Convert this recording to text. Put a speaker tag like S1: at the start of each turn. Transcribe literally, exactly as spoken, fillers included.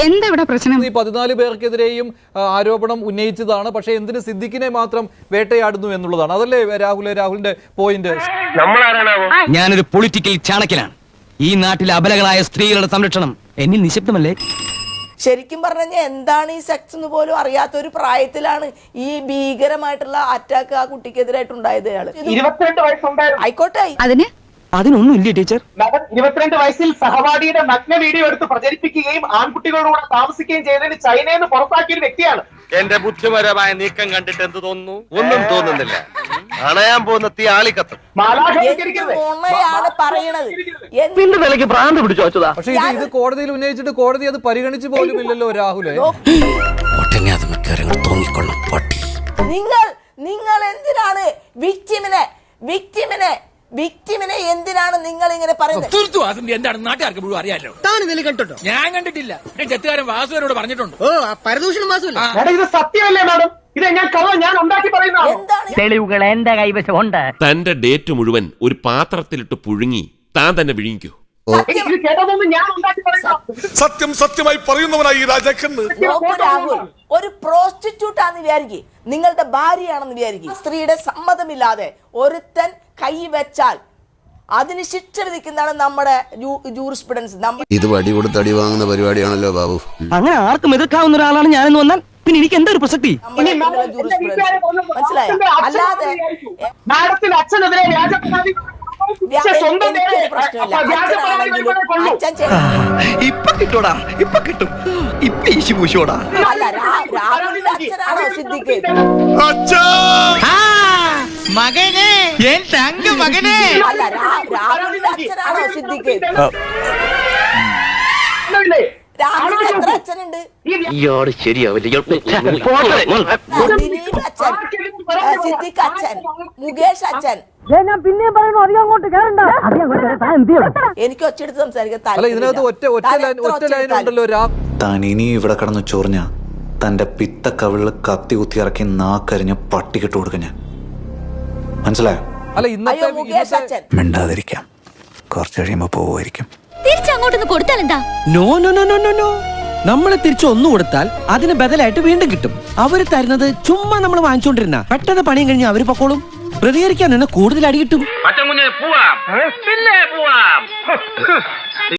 S1: എന്താ ഇവിടെ പ്രശ്നം?
S2: ഈ പതിനാല് പേർക്കെതിരെയും ആരോപണം ഉന്നയിച്ചതാണ്. പക്ഷെ എന്തിന് സിദ്ദിഖിനെ മാത്രം വേട്ടയാടുന്നു എന്നുള്ളതാണ്. അതല്ലേ രാഹുൽ രാഹുലിന്റെ പോയിന്റ്?
S3: ഞാനൊരു പൊളിറ്റിക്കൽ ചാണക്യനാണ്. ഈ നാട്ടിലെ അബലകളായ സ്ത്രീകളുടെ സംരക്ഷണം എന്നിൽ നിശബ്ദമല്ലേ?
S4: ശരിക്കും പറഞ്ഞാൽ എന്താണ് ഈ സെക്സ് എന്ന് പോലും അറിയാത്ത ഒരു പ്രായത്തിലാണ് ഈ ഭീകരമായിട്ടുള്ള അറ്റാക്ക് ആ കുട്ടിക്കെതിരായിട്ടുണ്ടായത്.
S5: ഇരുപത്തിരണ്ട് വയസ്സുണ്ടായിരുന്നു.
S4: ആയിക്കോട്ടെ,
S3: അതിന് അതിനൊന്നും ഇല്ലേ ടീച്ചർ?
S5: ഇരുപത്തിരണ്ട് വയസ്സിൽ സഹപാഠിയുടെ നഗ്ന വീഡിയോ എടുത്ത് പ്രചരിപ്പിക്കുകയും ആൺകുട്ടികളോട് താമസിക്കുകയും ചെയ്തതിന് ചൈനയിൽ നിന്ന് പുറത്താക്കിയ ഒരു വ്യക്തിയാണ്.
S6: എന്റെ ബുദ്ധിപരമായ നീക്കം കണ്ടിട്ട് എന്ത് തോന്നുന്നു? ഒന്നും തോന്നുന്നില്ല. അണയാൻ പോകുന്ന തീ ആളിക്കത്തും.
S4: നുണയാണ് പറയണത്.
S3: നിന്റെ നിലയ്ക്ക് ഭ്രാന്ത് പിടിച്ചു വെച്ചതാ.
S2: പക്ഷെ ഇത് ഇത് കോടതിയിൽ ഉന്നയിച്ചിട്ട് കോടതി അത് പരിഗണിച്ചു പോലും ഇല്ലല്ലോ രാഹുലെ.
S4: നിങ്ങൾ നിങ്ങൾ എന്തിനാണ് വിക്ടിമിനെ വിക്ടിമിനെ വിക്ടിമിനെ എന്തിനാണ് നിങ്ങൾ ഇങ്ങനെ പറയുന്നത്?
S7: എന്താണ് നാട്ടുകാർക്ക് മുഴുവൻ അറിയാലോ. കണ്ടോ? ഞാൻ കണ്ടിട്ടില്ല. ചെത്തുകാരൻ വാസുവിനോട് പറഞ്ഞിട്ടുണ്ട്. ഓ പരദൂഷണം വാസുവില്ല.
S5: ഇത് സത്യമല്ലേ മാഡം? ഇത് ഞാൻ കഥ ഞാൻ ഉണ്ടാക്കി പറയുന്നതാണ്.
S3: തെളിവുകൾ എന്റെ കൈവശം ഉണ്ട്.
S8: തന്റെ ഡേറ്റ് മുഴുവൻ ഒരു പാത്രത്തിലിട്ട് പുഴുങ്ങി താൻ തന്നെ വിഴുങ്ങിക്കോ.
S9: സത്യം സത്യമായി പറയുന്നവനായി രാജാക്കൻ.
S4: രാഹുൽ ഒരു പ്രോസ്റ്റിറ്റ്യൂട്ട് ആണെന്ന് വിചാരിക്കും, നിങ്ങളുടെ ഭാര്യയാണെന്ന് വിചാരിക്കും. സ്ത്രീയുടെ സമ്മതമില്ലാതെ ഒരുത്തൻ കൈ വെച്ചാൽ അതിന് ശിക്ഷ വിധിക്കുന്നതാണ് നമ്മുടെ ജൂറിസ്പ്രുഡൻസ്.
S10: ഇത് വടി കൊടുത്ത് അടി വാങ്ങുന്ന പരിപാടിയാണല്ലോ ബാബു.
S3: അങ്ങനെ ആർക്കും എതിർക്കാവുന്ന ഒരാളാണ് ഞാനെന്ന് വന്നാൽ പിന്നെ എനിക്ക് എന്താ ഒരു പ്രസക്തി?
S4: മനസ്സിലായോ? അല്ലാതെ
S5: മാഡത്തിന്റെ അച്ഛനെതിരെ വ്യാജപരാതി
S3: ഇപ്പൊ കിട്ടൂടാ, ഇപ്പൊ കിട്ടും. ഇപ്പൊ ഈശി പൂശോടാ.
S4: അല്ല, രാഹുലിന്റെ അച്ഛനാണോ സിദ്ദിഖ്?
S7: മകനെ, മകനെ.
S4: അല്ല, രാഹുലിന്റെ അച്ഛനാണോ സിദ്ദിഖ്? രാഹുലിന് എത്ര അച്ഛനുണ്ട്?
S3: ഇയാള് ശരിയാവില്ല.
S4: ദിലീപ് അച്ഛൻ, സിദ്ദിഖ് അച്ഛൻ, മുകേഷ് അച്ഛൻ. എനിക്ക് ഒച്ചെടുത്ത് സംസാരിക്കാൻ
S2: ഇതിനകത്ത് ഒറ്റ ഒറ്റ ലൈൻ ഒറ്റ ലൈൻ ഉണ്ടല്ലോ.
S10: താൻ ഇനി ഇവിടെ കടന്ന് ചൊറിഞ്ഞ തന്റെ പിത്ത കവിളില് കത്തി കുത്തി ഇറക്കി നാക്കരിഞ്ഞ് പട്ടിക്കിട്ട് കൊടുക്ക ഞാൻ. മനസ്സിലായോ?
S2: അല്ല, ഇന്നത്തെ
S4: മുകേഷ് അച്ഛൻ
S10: മിണ്ടാതിരിക്കാം. കുറച്ച് കഴിയുമ്പോ പോവുമായിരിക്കും.
S1: തിരിച്ചങ്ങോട്ടൊന്ന് കൊടുത്താൽ എന്താ?
S7: No no no no no നമ്മള് തിരിച്ചു ഒന്നു കൊടുത്താൽ അതിന് ബദലായിട്ട് വീണ്ടും കിട്ടും. അവര് തരുന്നത് ചുമ്മാ നമ്മൾ വാങ്ങിച്ചോണ്ടിരുന്ന പെട്ടെന്ന് പണിയും കഴിഞ്ഞ് അവര് പൊക്കോളും. പ്രതികരിക്കാൻ തന്നെ കൂടുതൽ അടി കിട്ടും.
S6: പോവാം.